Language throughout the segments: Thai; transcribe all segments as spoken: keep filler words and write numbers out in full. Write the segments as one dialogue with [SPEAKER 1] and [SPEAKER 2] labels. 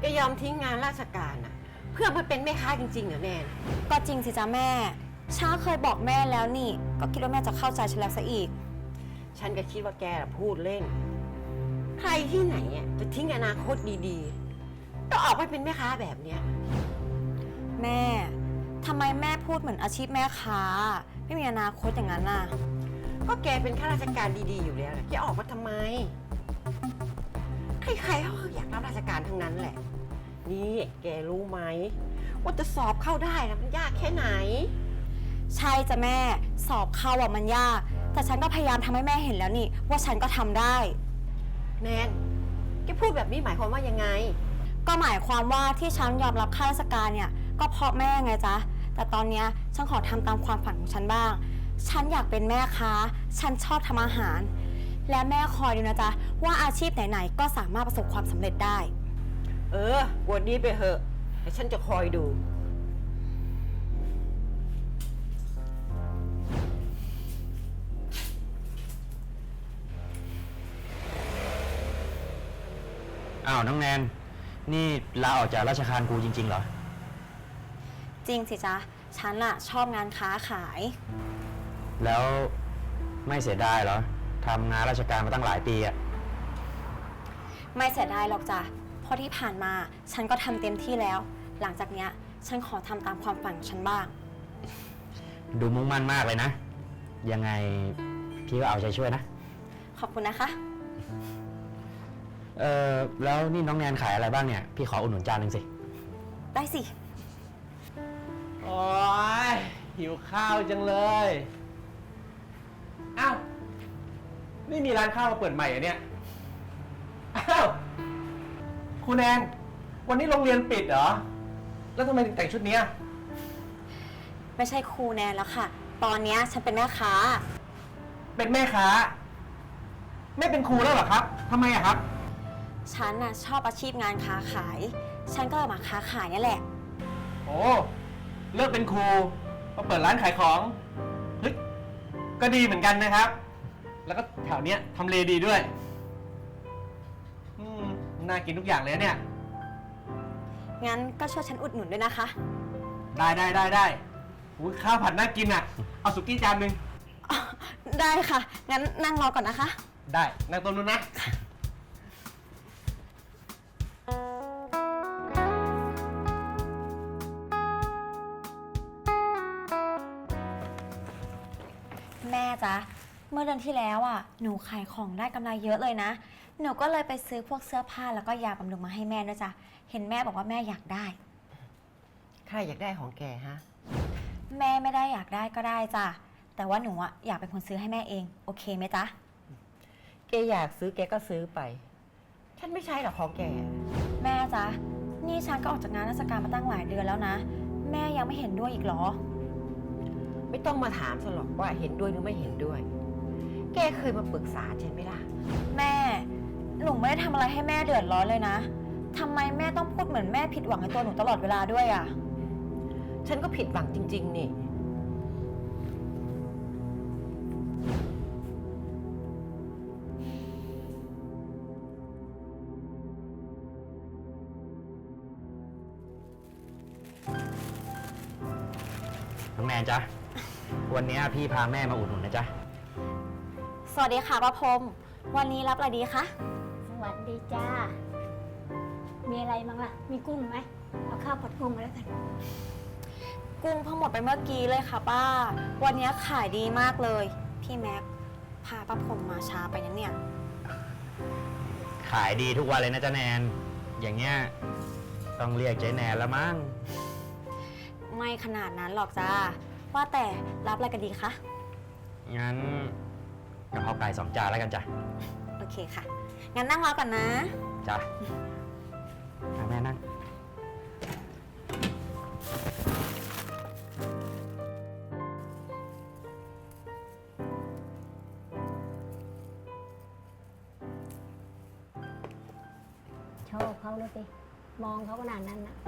[SPEAKER 1] แกยอมทิ้งงานราชการอะเพื่อมาเป็นแม่ค้าจริงๆเหรอแนน
[SPEAKER 2] ก็จริงสิจ้าแม่ช้าเคยบอกแม่แล้วนี่ก็คิดว่าแม่จะเข้าใจฉันแล้วซะอีก
[SPEAKER 1] ฉันก็คิดว่าแกพูดเล่นใครที่ไหนอ่ะจะทิ้งอนาคตดีๆก็ออกไปเป็นแม่ค้าแบบเนี้ย
[SPEAKER 2] แม่ทำไมแม่พูดเหมือนอาชีพแม่ค้าไม่มีอนาคตอย่างนั้นน่ะ
[SPEAKER 1] ก็แกเป็นข้าราชการดีๆอยู่แล้วแกออกมาทำไมใครๆเขาอยากรับราชการทั้งนั้นแหละนี่แกรู้ไหมว่าจะสอบเข้าได้นะมันยากแค่ไหน
[SPEAKER 2] ใช่จ้ะแม่สอบเข้าอ่ะมันยากแต่ฉันก็พยายามทำให้แม่เห็นแล้วนี่ว่าฉันก็ทำได้
[SPEAKER 1] แนนแกพูดแบบนี้หมายความว่ายังไง
[SPEAKER 2] ก็หมายความว่าที่ฉันยอมรับข้าราชการเนี่ยก็เพราะแม่ไงจ๊ะแต่ตอนนี้ฉันขอทำตามความฝันของฉันบ้างฉันอยากเป็นแม่ค้าฉันชอบทำอาหารและแม่คอยดูนะจ๊ะว่าอาชีพไหนๆก็สามารถประสบความสำเร็จได้
[SPEAKER 1] เออวันนี้ไปเหอะแต่ฉันจะคอยดู
[SPEAKER 3] อ้าวน้องแนนนี่ลาออกจากราชการครูจริงๆเหรอ
[SPEAKER 2] จริงสิจ๊ะฉันอะชอบงานค้าขาย
[SPEAKER 3] แล้วไม่เสียดายเหรอทำงานราชการมาตั้งหลายปีอะ
[SPEAKER 2] ไม่เสียดายหรอกจ้ะเพราะที่ผ่านมาฉันก็ทำเต็มที่แล้วหลังจากเนี้ยฉันขอทำตามความฝันของฉันบ้าง
[SPEAKER 3] ดูมุ่งมั่นมากเลยนะยังไงพี่ก็เอาใจช่วยนะ
[SPEAKER 2] ขอบคุณนะคะ
[SPEAKER 3] เออแล้วนี่น้องแนนขายอะไรบ้างเนี่ยพี่ขออุดหนุนจานหนึ่งสิ
[SPEAKER 2] ได้สิ
[SPEAKER 4] โอ๊ยหิวข้าวจังเลยอ้าวนี่มีร้านข้าวมาเปิดใหม่เหรอเนี่ยอ้าวครูแนนวันนี้โรงเรียนปิดเหรอแล้วทำไมถึงแต่งชุดนี้
[SPEAKER 2] ไม่ใช่ครูแนนแล้วค่ะตอนนี้ฉันเป็นแม่ค้า
[SPEAKER 4] เป็นแม่ค้าไม่เป็นครูแล้วเหรอครับทำไมอะครับ
[SPEAKER 2] ฉันน่ะชอบอาชีพงานค้าขายฉันก็เลยมาค้าขายนี่แหละ
[SPEAKER 4] โอ้เลิกเป็นครูมาเปิดร้านขายของเฮ้ยก็ดีเหมือนกันนะครับแล้วก็แถวเนี้ยทำเลดีด้วยอืมน่ากินทุกอย่างเลยเนี่ย
[SPEAKER 2] งั้นก็ช่วยฉันอุดหนุนด้วยนะคะ
[SPEAKER 4] ได้ได้ได้ได้อุ้ยข้าวผัดน่ากินอ่ะเอาสุกี้จานหนึ่ง
[SPEAKER 2] ได้ค่ะงั้นนั่งรอก่อนนะคะ
[SPEAKER 4] ได้นั่งตรงนู้นนะ
[SPEAKER 2] แม่จ๊ะเมื่อเดือนที่แล้วอ่ะหนูขายของได้กำไรเยอะเลยนะหนูก็เลยไปซื้อพวกเสื้อผ้าแล้วก็ยาบำรุงมาให้แม่ด้วยจ้ะเห็นแม่บอกว่าแม่อยากได้
[SPEAKER 1] ใครอยากได้ของแกฮะ
[SPEAKER 2] แม่ไม่ได้อยากได้ก็ได้จ้ะแต่ว่าหนูอ่ะอยากเป็นคนซื้อให้แม่เองโอเคไหมจ๊ะ
[SPEAKER 1] แกอยากซื้อแกก็ซื้อไปฉันไม่ใช่หรอกของแก
[SPEAKER 2] แม่จ๊ะนี่ฉันก็ออกจากงานราชการมาตั้งหลายเดือนแล้วนะแม่ยังไม่เห็นด้วยอีกเหรอ
[SPEAKER 1] ไม่ต้องมาถามฉันหรอกว่าเห็นด้วยหรือไม่เห็นด้วยแกเคยมาปรึกษาฉันไหมล่ะ
[SPEAKER 2] แม่หนูไม่ได้ทำอะไรให้แม่เดือดร้อนเลยนะทำไมแม่ต้องพูดเหมือนแม่ผิดหวังในตัวหนูตลอดเวลาด้วยอ่ะ
[SPEAKER 1] ฉันก็ผิดหวังจริงๆนี่
[SPEAKER 3] น้องแนนจ๊ะวันนี้พี่พาแม่มาอุดหนุนนะจ๊ะ
[SPEAKER 2] สวัสดีค่ะป้าพรมวันนี้รับอะไรดีคะ
[SPEAKER 5] สวัสดีจ้ามีอะไรบ้างล่ะมีกุ้งไหมเอาข้าวผัดกุ้งมาแล้วกัน
[SPEAKER 2] กุ้งเพิ่งหมดไปเมื่อกี้เลยค่ะป้าวันนี้ขายดีมากเลยพี่แม็กพาป้าพรมมาช้าไปนะเนี่ย
[SPEAKER 3] ขายดีทุกวันเลยนะจ๊ะแนนอย่างเงี้ยต้องเรียกเจ๊แนนแล้วมั้ง
[SPEAKER 2] ไม่ขนาดนั้นหรอกจ้าว่าแต่รับอะไรกันดีคะ
[SPEAKER 3] งั้นกะเพราไก่สองจานแล้วกันจ้ะ
[SPEAKER 2] โอเคค่ะงั้นนั่งรอก่อนนะ
[SPEAKER 3] จ้ะแม่นั่ง
[SPEAKER 5] ชอบเขาเลยสิมองเขาขนาดนั้นนะ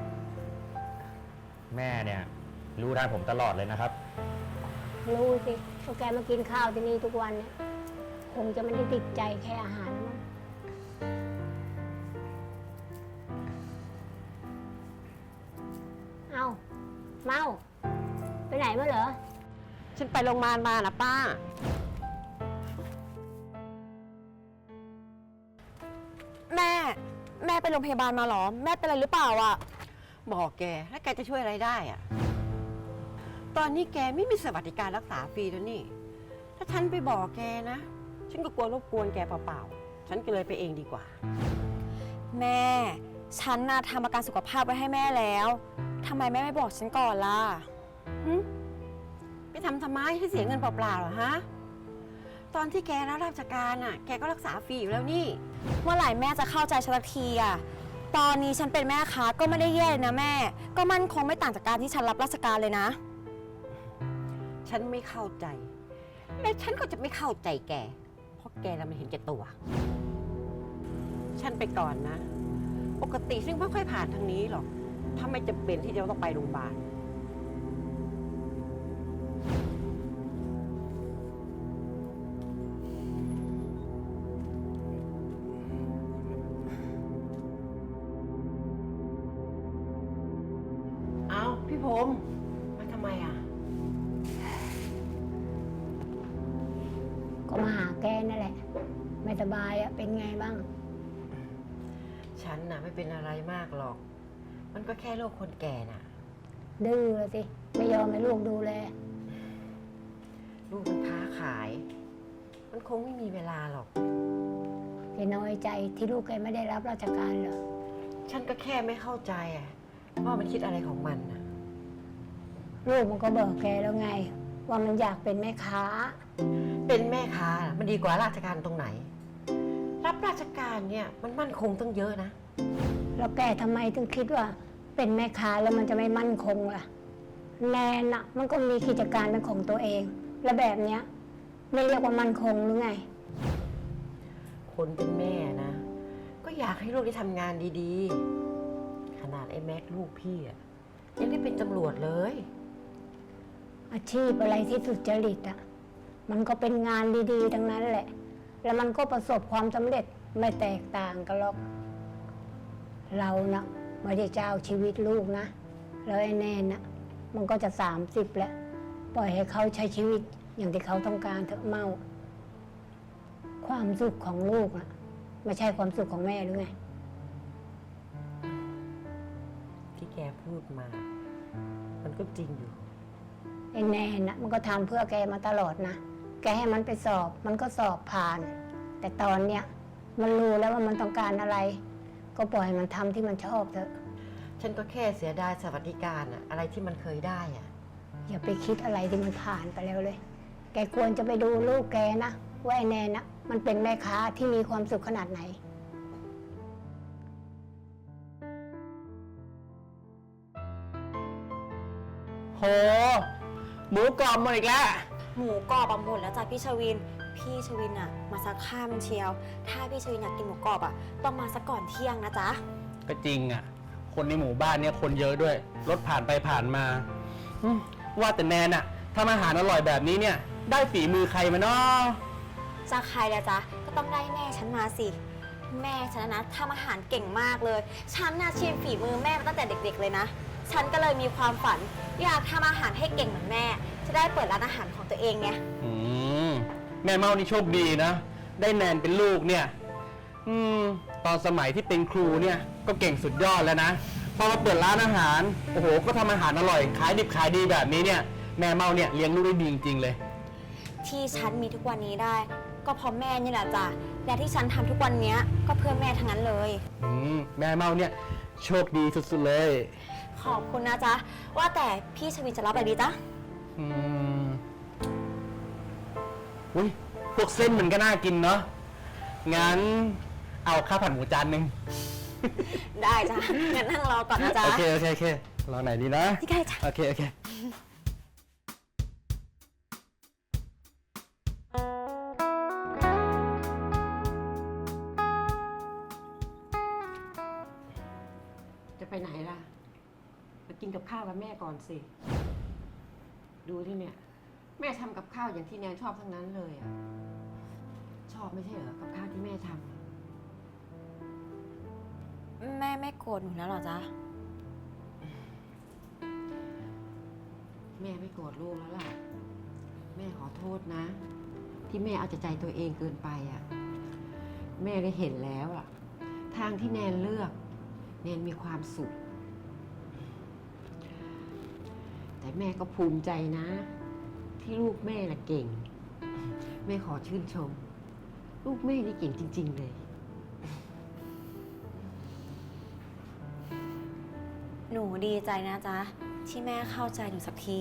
[SPEAKER 3] แม่เนี่ยรู้ทันผมตลอดเลยนะครับ
[SPEAKER 5] รู้สิว่าแกมากินข้าวที่นี่ทุกวันเนี่ยคงจะไม่ได้ติดใจแค่อาหารมั้งเมาไปไหนมาเหรอ
[SPEAKER 1] ฉันไปโรงพยาบาลมานะป้า
[SPEAKER 2] แม่ แม่ไปโรงพยาบาลมาเหรอ แม่เป็นอะไรหรือเปล่าอ่ะ
[SPEAKER 1] บอกแกแล้วแกจะช่วยอะไรได้อะตอนนี้แกไม่มีสวัสดิการรักษาฟรีแล้วนี่ ถ้าฉันไปบอกแกนะ ฉันก็กลัวรบกวนแกเปล่าๆ ฉันก็เลยไปเองดีกว่า
[SPEAKER 2] แม่ ฉันน่ะทำประกันสุขภาพไว้ให้แม่แล้วทำไมแม่ไม่บอกฉันก่อนล่ะ
[SPEAKER 1] ไปทำทำไมให้เสียเงินเปล่าๆเหรอฮะ ตอนที่แกรับราชการอ่ะ แกก็รักษาฟรีอยู่แล้วนี่
[SPEAKER 2] เมื่อไหร่แม่จะเข้าใจฉันสักทีอ่ะ ตอนนี้ฉันเป็นแม่ค้าก็ไม่ได้แย่เลยนะแม่ ก็มั่นคงไม่ต่างจากการที่ฉันรับราชการเลยนะ
[SPEAKER 1] ฉันไม่เข้าใจ และฉันก็จะไม่เข้าใจแก เพราะแกน่ะมันเห็นแก่ตัว ฉันไปก่อนนะ ปกติฉันไม่ค่อยผ่านทางนี้หรอก ถ้าไม่จำเป็นที่จะต้องไปโรงพยาบาล เอาพี่พรหมมาทำไมอ่ะ
[SPEAKER 5] ก็มาหาแกนั่นแหละ ไม่สบายอะเป็นไงบ้าง
[SPEAKER 1] ฉันน่ะไม่เป็นอะไรมากหรอก มันก็แค่โรคคนแก่น่ะ
[SPEAKER 5] ดื้อเลยสิ ไม่ยอมให้ลูกดูแล
[SPEAKER 1] ลูกมันค้าขาย มันคงไม่มีเวลาหรอก
[SPEAKER 5] แกน้อยใจที่ลูกแกไม่ได้รับราชการเหรอ
[SPEAKER 1] ฉันก็แค่ไม่เข้าใจอ่ะว่ามันคิดอะไรของมันน่ะ
[SPEAKER 5] ลูกมันก็บอกแกแล้วไง ว่ามันอยากเป็นแม่ค้า
[SPEAKER 1] เป็นแม่ค้าน่ะมันดีกว่าราชการตรงไหน รับราชการเนี่ยมันมั่นคงตั้งเยอะนะ
[SPEAKER 5] แล้วแกทำไมถึงคิดว่า เป็นแม่ค้าแล้วมันจะไม่มั่นคงล่ะ แนนอะมันก็มีกิจการเป็นของตัวเอง และแบบเนี้ยไม่เรียกว่ามั่นคงหรือไง
[SPEAKER 1] คนเป็นแม่นะ ก็อยากให้ลูกได้ทำงานดีๆ ขนาดไอ้แม็กลูกพี่อะยังได้เป็นตำรวจเลย
[SPEAKER 5] อาชีพอะไรที่สุจริตอะมันก็เป็นงานดีๆทั้งนั้นแหละ แล้วมันก็ประสบความสำเร็จไม่แตกต่างกันหรอก เรานะไม่ได้เจ้าชีวิตลูกนะ แล้วไอ้แน่นะมันก็จะสามสิบแล้ว ปล่อยให้เขาใช้ชีวิตอย่างที่เขาต้องการเถอะเมา ความสุขของลูกนะไม่ใช่ความสุขของแม่หรือไง
[SPEAKER 1] ที่แกพูดมา มันก็จริงอยู่
[SPEAKER 5] ไอ้แน่นะมันก็ทำเพื่อแกมาตลอดนะ แกให้มันไปสอบ มันก็สอบผ่าน แต่ตอนเนี้ยมันรู้แล้วว่ามันต้องการอะไร ก็ปล่อยมันทำที่มันชอบเถอะ
[SPEAKER 1] ฉันก็แค่เสียดายสวัสดิการอะอะไรที่มันเคยได้อะ
[SPEAKER 5] อย่าไปคิดอะไรที่มันผ่านไปแล้วเลย แกควรจะไปดูลูกแกนะว่าไอ้แน่นะมันเป็นแม่ค้าที่มีความสุขขนาดไหน
[SPEAKER 4] โห หมูกรอบหมดอีกแล้ว
[SPEAKER 2] หมูกรอบอะหมดแล้วจ้ะพี่ชวิน พี่ชวินอะมาสักข้ามเชียว ถ้าพี่ชวินอยากกินหมูกรอบอะต้องมาสักก่อนเที่ยงนะจ๊ะ
[SPEAKER 4] ก็จริงอ่ะ คนในหมู่บ้านเนี่ยคนเยอะด้วย รถผ่านไปผ่านมาอืมว่าแต่แนนอ่ะทำอาหารอร่อยแบบนี้เนี่ย ได้ฝีมือใครมาเนาะ
[SPEAKER 2] จะใครละจ๊ะ ก็ต้องได้แม่ฉันมาสิ แม่ฉันนะทำอาหารเก่งมากเลย ฉันน่ะชิมฝีมือแม่มาตั้งแต่เด็กๆเลยนะ ฉันก็เลยมีความฝัน อยากทำอาหารให้เก่งเหมือนแม่ จะได้เปิดร้านอาหารของตัวเองไง
[SPEAKER 4] อืมแม่เมานี่โชคดีนะ ได้แนนเป็นลูกเนี่ย อืม ตอนสมัยที่เป็นครูเนี่ย ก็เก่งสุดยอดแล้วนะ พอมาเปิดร้านอาหาร โอ้โห ก็ทำอาหารอร่อย ขายดิบขายดีแบบนี้เนี่ย แม่เมาเนี่ยเลี้ยงลูกได้ดีจริงๆเลย
[SPEAKER 2] ที่ฉันมีทุกวันนี้ได้ ก็เพราะแม่นี่แหละจ้ะ และที่ฉันทำทุกวันเนี้ยก็เพื่อแม่ทั้งนั้นเลย
[SPEAKER 4] อืม แม่เมาเนี่ยโชคดีสุดๆเลย
[SPEAKER 2] ขอบคุณนะจ๊ะ ว่าแต่พี่ชวินจะรับอะไรดีจ๊ะ
[SPEAKER 4] อืม อุ้ยพวกเส้นมันก็น่ากินเนาะ งั้นเอาข้าวผัดหมูจานหนึ่ง
[SPEAKER 2] ได้จ้ะ งั้นนั่งรอก่อนนะจ๊ะ
[SPEAKER 4] โอเค โอเค โอเค รอไหนดีนะ
[SPEAKER 2] ที่ใกล้จ้ะ
[SPEAKER 4] โอเค โอเค
[SPEAKER 1] จะไปไหนล่ะมากินกับข้าวกับแม่ก่อนสิ ดูที่เนี่ย แม่ทำกับข้าวอย่างที่แนนชอบทั้งนั้นเลยอ่ะ ชอบไม่ใช่เหรอกับข้าวที่แม่ทำ
[SPEAKER 2] แม่ไม่โกรธหนูแล้วเหรอจ๊ะ
[SPEAKER 1] แม่ไม่โกรธลูกแล้วล่ะ แม่ขอโทษนะ ที่แม่เอาแต่ใจตัวเองเกินไปอ่ะ แม่ได้เห็นแล้วอ่ะ ทางที่แนนเลือก แนนมีความสุข แต่แม่ก็ภูมิใจนะ ที่ลูกแม่น่ะเก่ง แม่ขอชื่นชม ลูกแม่นี่เก่งจริง ๆ เลย
[SPEAKER 2] หนูดีใจนะจ๊ะ ที่แม่เข้าใจหนูสักที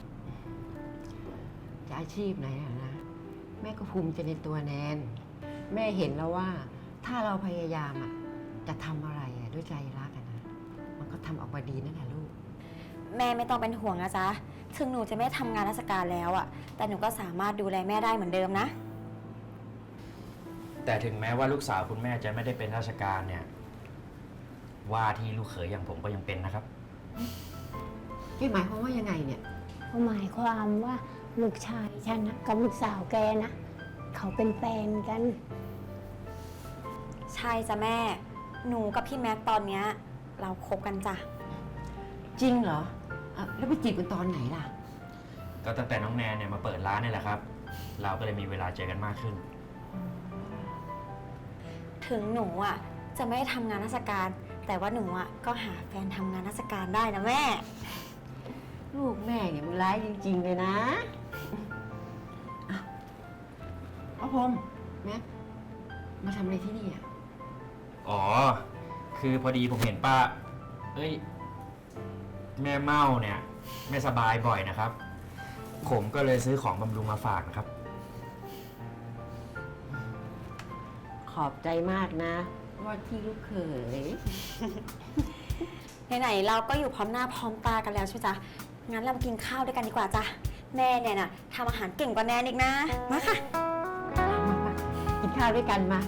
[SPEAKER 1] จะอาชีพไหนอะนะ แม่ก็ภูมิใจในตัวแนน แม่เห็นแล้วว่า ถ้าเราพยายามอะจะทำอะไรอะด้วยใจรักอะนะ มันก็ทำออกมาดีนั่นแหละลูก
[SPEAKER 2] แม่ไม่ต้องเป็นห่วงนะจ๊ะ ถึงหนูจะไม่ทำงานราชการแล้วอะแต่หนูก็สามารถดูแลแม่ได้เหมือนเดิมนะ
[SPEAKER 3] แต่ถึงแม้ว่าลูกสาวคุณแม่จะไม่ได้เป็นราชการเนี่ย ว่าที่ลูกเขยอย่างผมก็ยังเป็นนะครับ
[SPEAKER 1] พี่หมายความว่ายังไงเนี่ย
[SPEAKER 5] เขาหมายความว่าลูกชายฉันนะกับลูกสาวแกนะ เขาเป็นแฟนกัน
[SPEAKER 2] ใช่จ้ะแม่ หนูกับพี่แม็กตอนเนี้ยเราคบกันจ้ะ
[SPEAKER 1] จริงเหรออ่ะแล้วไปจีบกันตอนไหนล่ะ
[SPEAKER 3] ก็ตั้งแต่น้องแนนเนี่ยมาเปิดร้านนี่แหละครับ เราก็เลยมีเวลาเจอกันมากขึ้น
[SPEAKER 2] ถึงหนูอ่ะจะไม่ได้ทำงานราชการ แต่ว่าหนูอ่ะก็หาแฟนทำงานราชการได้นะแม่
[SPEAKER 1] ลูกแม่เนี่ยมันร้ายจริง ๆ เลยนะอ่ะพ่อพรหมแม็กมาทำอะไรที่นี่อ่ะ
[SPEAKER 3] อ๋อ คือพอดีผมเห็นป้า เอ้ย แม่เม่าเนี่ย ไม่สบายบ่อยนะครับ ผมก็เลยซื้อของบำรุงมาฝากนะครับ
[SPEAKER 1] ขอบใจมากนะ ว่าที่ลูกเขย
[SPEAKER 2] ไหนๆเราก็อยู่พร้อมหน้าพร้อมตากันแล้วใช่ไหมจ๊ะ งั้นเรามากินข้าวด้วยกันดีกว่าจ้ะ แม่เนี่ยน่ะทำอาหารเก่งกว่าแนนอีกนะ มาค่ะ
[SPEAKER 1] มามากินข้าวด้วยกันมา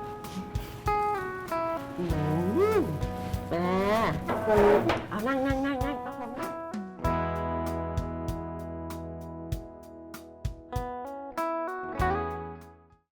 [SPEAKER 1] อืมมาเอานั่งนั่งนั่ง